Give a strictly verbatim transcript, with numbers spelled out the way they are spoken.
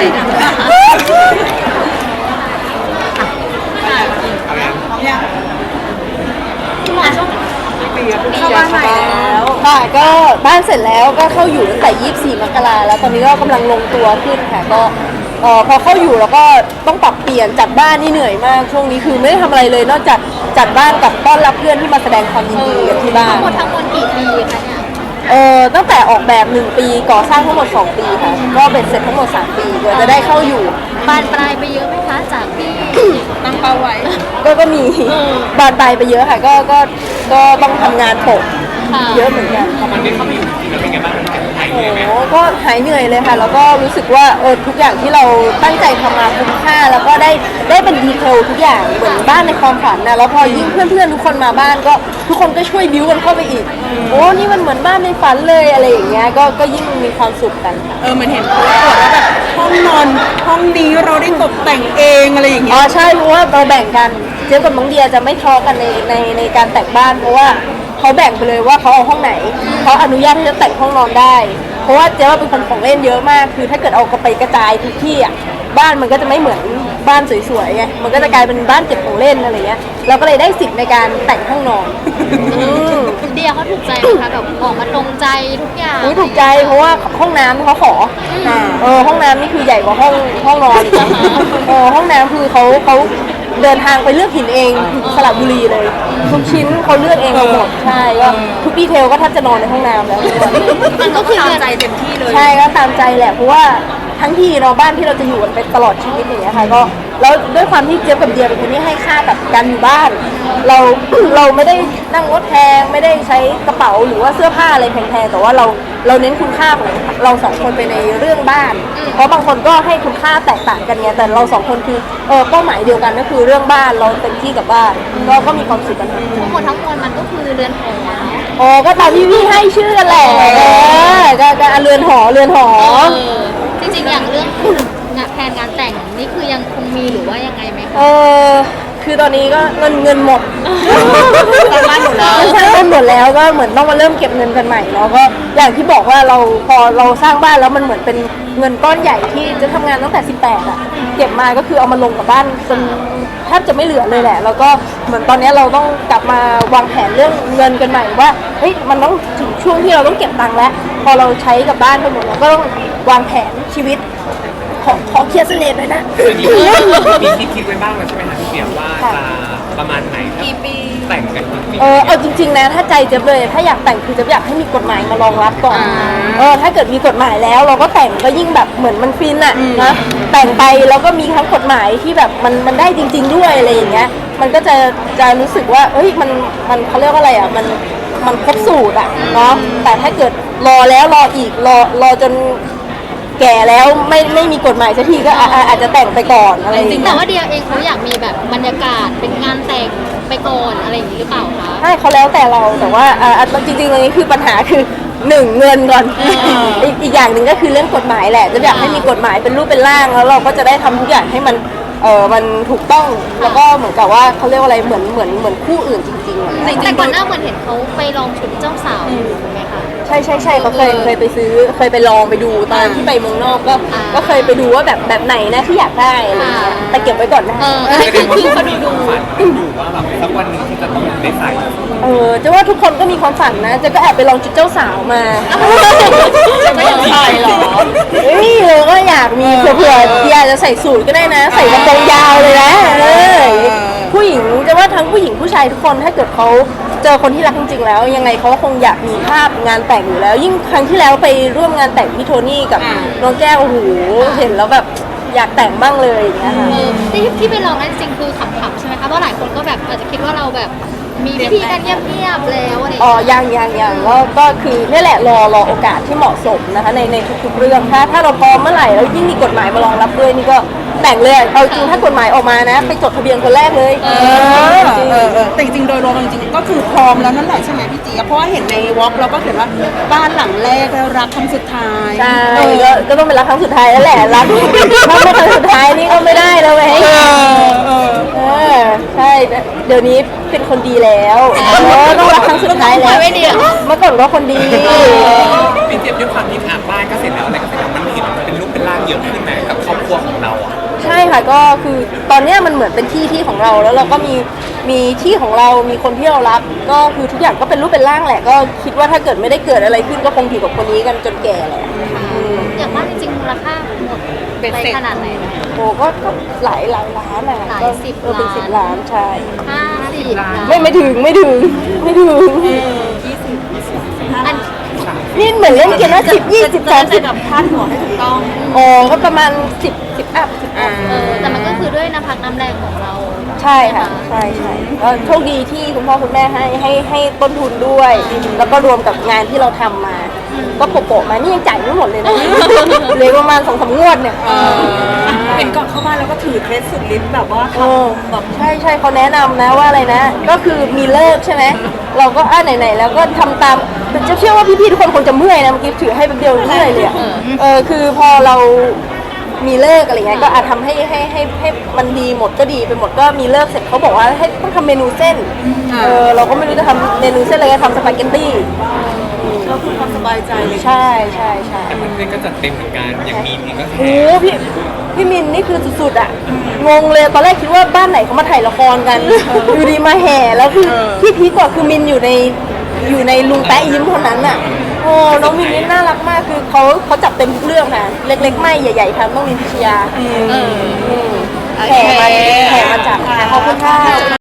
เข้าบ้านใหม่แล้วค่ะก็บ้านเสร็จแล้วก็เข้าอยู่ตั้งแต่ยี่สิบสี่มกราแล้วตอนนี้ก็กำลังลงตัวขึ้นค่ะก็เอ่อพอเข้าอยู่แล้วก็ต้องปรับเปลี่ยนจัดบ้านนี่เหนื่อยมากช่วงนี้คือไม่ได้ทำอะไรเลยนอกจากจัดบ้านกับต้อนรับเพื่อนที่มาแสดงความยินดีกันที่บ้านทั้งหมดทั้งมวลกี่ปีคะเนี่ยเออตั้งแต่ออกแบบหนึ่งปีก่อสร้างทั้งหมดสองปีค่ะก็เป็นเสร็จทั้งหมดสามปีกว่าจะได้เข้าอยู่บานปลายไปเยอะไหมคะจากที่ตั้งเป้าไว้ก็ก็มีบานปลายไปเยอะค่ะก็ก็ก็ต้องทำงานโปะเยอะเหมือนกันมันได้เข้าไปอยู่ที่เป็นไงบ้างหายเหนื่อยไหมก็หายเหนื่อยเลยค่ะแล้วก็รู้สึกว่าเออทุกอย่างที่เราตั้งใจทำมาคุ้มค่าแล้วก็ได้ได้เป็นดีเทลทุกอย่างเหมือนบ้านในความฝันนะแล้วพอยิ่งเพื่อนๆทุกคนมาบ้านก็ทุกคนก็ช่วยบิ้วกันเข้าไปอีกโอ้นี่มันเหมือนบ้านในฝันเลยอะไรอย่างเงี้ยก็ก็ยิ่งมีความสุขกันค่ะเออมันเห็นโพสต์ว่าแบบห้องนอนห้องนี้เราได้ตกแต่งเองอะไรอย่างเงี้ยอ๋อใช่เพราะว่าเราแบ่งกันเจ๊กับน้องเดียจะไม่ทะเลาะกันในในในการแต่งบ้านเพราะว่าเขาแบ่งไปเลยว่าเขาเอาห้องไหนเขาอนุญาตที่จะแต่งห้องนอนได้เพราะว่าเจ๊ว่าเป็นคนของเล่นเยอะมากคือถ้าเกิดเอาไปกระจายทุกที่อ่ะบ้านมันก็จะไม่เหมือนบ้านสวยๆไงมันก็จะกลายเป็นบ้านเก็บของเล่นอะไรเงี้ยเราก็เลยได้สิทธิ์ในการแต่งห้องนอนเดียเขาถูกใจไหมคะแบบออกมาตรงใจทุกอย่างอุ้ยถูกใจเพราะว่าห้องน้ำเขาขอเออห้องน้ำนี่คือใหญ่กว่าห้องห้องนอนเออห้องน้ำคือเขาเขาเดินทางไปเลือกหินเองสระบุรีเลยทุกชิ้นเขาเลือกเองหมดใช่ก็ทุกดีเทลก็แทบจะนอนในห้องน้ำแล้วมันก็คือตามใจเต็มที่เลยใช่ก็ตามใจแหละเพราะว่าทั้งที่เราบ้านที่เราจะอยู่กันเป็นตลอดชีวิตอย่างเงี้ยค่ะก็แล้วด้วยความที่เจี๊ยบกับเดียเป็นคนที่ให้ค่ากับการอยู่บ้านเราเราไม่ได้นั่งรถแพงไม่ได้ใช้กระเป๋าหรือว่าเสื้อผ้าอะไรแพงๆแต่ว่าเราเราเน้นคุณค่าของเราสองคนไปในเรื่องบ้านเพราะบางคนก็ให้คุณค่าแตกต่างกันไงแต่เราสองคนคือเออเป้าหมายเดียวกันก็คือเรื่องบ้านเราเต็มที่กับบ้านก็ก็มีความสุขกันทั้งหมดทั้งมวลมันก็คือเรือนหออ๋อก็ตามที่พี่ให้ชื่อกันแหละเออก็ก็เรือนหอเรือนหอจริงๆอย่างเรื่องงานแผนงานแต่งนี่คือยังคงมีหรือว่ายังไงไหมคะเออคือตอนนี้ก็เงินเงินหมดสร้างบ้านหมดแล้วสร้างบ้านหมดแล้วก็เหมือนต้องมาเริ่มเก็บเงินกันใหม่เนาะก็อย่างที่บอกว่าเราพอเราสร้างบ้านแล้วมันเหมือนเป็นเงินก้อนใหญ่ที่จะทำงานตั้งแต่สิบแปดอะเก็บมาก็คือเอามาลงกับบ้านจนแทบจะไม่เหลือเลยแหละแล้วก็เหมือนตอนนี้เราต้องกลับมาวางแผนเรื่องเงินกันใหม่ว่าเฮ้ยมันต้องถึงช่วงที่เราต้องเก็บตังค์แล้วพอเราใช้กับบ้านไปหมดเราก็ต้องวางแผนชีวิตขอขอเคลียร์เสน่ห์หน่อยนะมีคิดคิดไว้บ้างแล้วใช่ไหมคะพี่เปียว่าจะประมาณไหนกี่ปีแต่งกันกี่ปีเออเอาจริงๆนะถ้าใจเจ๊เลยถ้าอยากแต่งคือจะอยากให้มีกฎหมายมารองรับก่อนเออถ้าเกิดมีกฎหมายแล้วเราก็แต่งก็ยิ่งแบบเหมือนมันฟินอะนะแต่งไปแล้วก็มีทั้งกฎหมายที่แบบมันมันได้จริงๆด้วยอะไรอย่างเงี้ยมันก็จะจะรู้สึกว่าเอ้ยมันมันเขาเรียกว่าอะไรอะมันมันครบสูตรอะเนาะแต่ถ้าเกิดรอแล้วรออีกรอรอจนแก่แล้วไม่ไม่มีกฎหมายสักทีก็อาจจะแต่งไปก่อนอะไรอย่างเงี้ยแต่ว่าเดียเองเขาอยากมีแบบบรรยากาศเป็นงานแต่งไปก่อนอะไรอย่างนี้หรือเปล่าคะใช่เขาแล้วแต่เราแต่ว่าอ่าจริงๆตรงนี้คือปัญหาคือหนึ่งเงินก่อนอีกอีกอย่างหนึ่งก็คือเรื่องกฎหมายแหละจะอยากให้มีกฎหมายเป็นรูปเป็นร่างแล้วเราก็จะได้ทำทุกอย่างให้มันเออมันถูกต้องแล้วก็เหมือนกับว่าเขาเรียกว่าอะไรเหมือนเหมือนเหมือนคู่อื่นจริงๆแต่ก่อนหน้าเหมือนเห็นเขาไปลองชุดเจ้าสาวอยู่ไหมคะใช่ใช่ใช่เขาเคยเคยไปซื้อเคยไปลองไปดูตอนที่ไปเมืองนอกก็ก็เคยไปดูว่าแบบแบบไหนนะที่อยากได้อะไรเงี้ยแต่เก็บไว้ก่อนนะคือคือเขาดูดูอยู่ว่าแบบสักวันนึงที่จะต้องได้ใส่เออจะว่าทุกคนก็มีความฝันนะจะก็แอบไปลองชุดเจ้าสาวมาจะไม่ใส่หรอเฮ้ยเราก็อยากมีเผื่อๆอยากจะใส่สูทก็ได้นะใส่กระโปรงยาวเลยนะเออผู้หญิงจะว่าทั้งผู้หญิงผู้ชายทุกคนถ้าเกิดเขาเจอคนที่รักจริงๆแล้วยังไงเขาก็คงอยากมีภาพงานแต่งอยู่แล้วยิ่งครั้งที่แล้วไปร่วมงานแต่งพี่โทนี่กับน้องแก้วโอ้โหเห็นแล้วแบบอยากแต่งบ้างเลยอย่างเงี้ยค่ะที่ที่ไปลองนั่นจริงคือขำๆใช่ไหมคะเพราะหลายคนก็แบบอาจจะคิดว่าเราแบบมีพิธีกันเงียบๆแล้วอะไรอ๋อยังยังยังก็ก็คือนี่แหละรอรอโอกาสที่เหมาะสมนะคะในในทุกๆเรื่องถ้าถ้าเราพร้อมเมื่อไหร่แล้วยิ่งมีกฎหมายมารองรับด้วยนี่ก็แต่งเลยเอาจริงถ้ากฎหมายออกมานะไปจดทะเบียนคนแรกเลยเออเออเออแต่จริงๆโดยรวมจริงๆก็คือพร้อมแล้วนั่นแหละใช่ไหมพี่จีเพราะว่าเห็นในวอล์กเราก็เขียนว่าบ้านหลังแรกแล้วรักครั้งสุดท้ายใช่ก็ก็ต้องเป็นรักครั้งสุดท้ายแล้วแหละรักถ้าไม่ครั้งสุดท้ายนี่ก็ไม่ได้แล้วไงเออเออใช่เดี๋ยวนี้เป็นคนดีแล้วต้องรักครั้งสุดท้ายแล้วเมื่อก่อนก็คนดีพี่เจี๊ยบด้วยความที่อาบบ้านก็เสร็จแล้วอะไรก็เสร็จแล้วมันเห็นเป็นรูปเป็นร่างเยอะขึ้นไหมกับครอบคครัวของเราอ่ะใช่ค่ะก็คือตอนเนี้ยมันเหมือนเป็นที่ที่ของเราแล้วเราก็มีมีที่ของเรามีคนที่เรารักก็คือทุกอย่างก็เป็นรูปเป็นร่างแหละก็คิดว่าถ้าเกิดไม่ได้เกิดอะไรขึ้นก็คงอยู่กับคนนี้กันจนแก่แหละอืมอย่างบ้านจริงๆมูลค่าหมดไปขนาดไหนนะโอ้ก็ก็หลายหลายล้านอะหลายก็สิบเออเป็นล้านสิบล้านใช่ห้าสิบล้านไม่ไม่ถึงไม่ถึงไม่ถึงอันนี่เหมือนเล่นเกมว่าสิบยี่สิบสามสิบกับพาดหัวให้ถูกต้องโอ้ก็ประมาณสิบสิบอัพสิบอัพเออแต่มันก็คือด้วยน้ำพักน้ำแรงของเราใช่ค่ะใช่ใช่ก็โชคดีที่คุณพ่อคุณแม่ให้ให้ให้ต้นทุนด้วย แล้วก็รวมกับงานที่เราทำมา ก็โปะๆมานี่ยังจ่ายไม่หมดเลยนะเหลยประมาณสองสามงวดเนี่ยเห็นก่อนเข้าบ้านแล้วก็ถือเคสสุดฤทธิ์แบบว่าทเออำแบบใช่ใช่เขาแนะนำนะว่าอะไรนะ ก็คือมีเลิกใช่ไหมเราก็อ่าไหนๆแล้วก็ทำตามจะเชื่อว่าพี่ๆทุกคนคงจะเมื่อยนะเมื่อกี้ถือให้เป็นเดียวเมื่อยเลยอะเออคือพอเรามีเลิกอะไรเงี้ยก็อาจทำให้ให้ให้ให้มันดีหมดก็ดีไปหมดก็มีเลิกเสร็จเขาบอกว่าให้ต้องทำเมนูเส้นเออเราก็ไม่รู้จะทำเมนูเส้นอะไรก็ทำสปาเกตตี้ก็คือความสบายใจเลยใช่ใช่ใช่แต่เพื่อนๆก็จัดเต็มเหมือนกันอย่างมีนเองก็แขโอ้โหพี่พี่มินนี่คือสุดๆอ่ะงงเลยตอนแรกคิดว่าบ้านไหนเขามาถ่ายละครกันอยู่ดีมาแห่แล้วคือที่พีคกว่าคือมินอยู่ในอยู่ในลุงแป๊ะยิ้มเท่านั้นอ่ะโอ้น้องมินนี่น่ารักมากคือเขาเขาจับเต็มทุกเรื่องค่ะเล็กๆไม่ใหญ่ๆทำต้องมินพิชยาเออแห่มาแห่มาจากขอบคุณค่ะ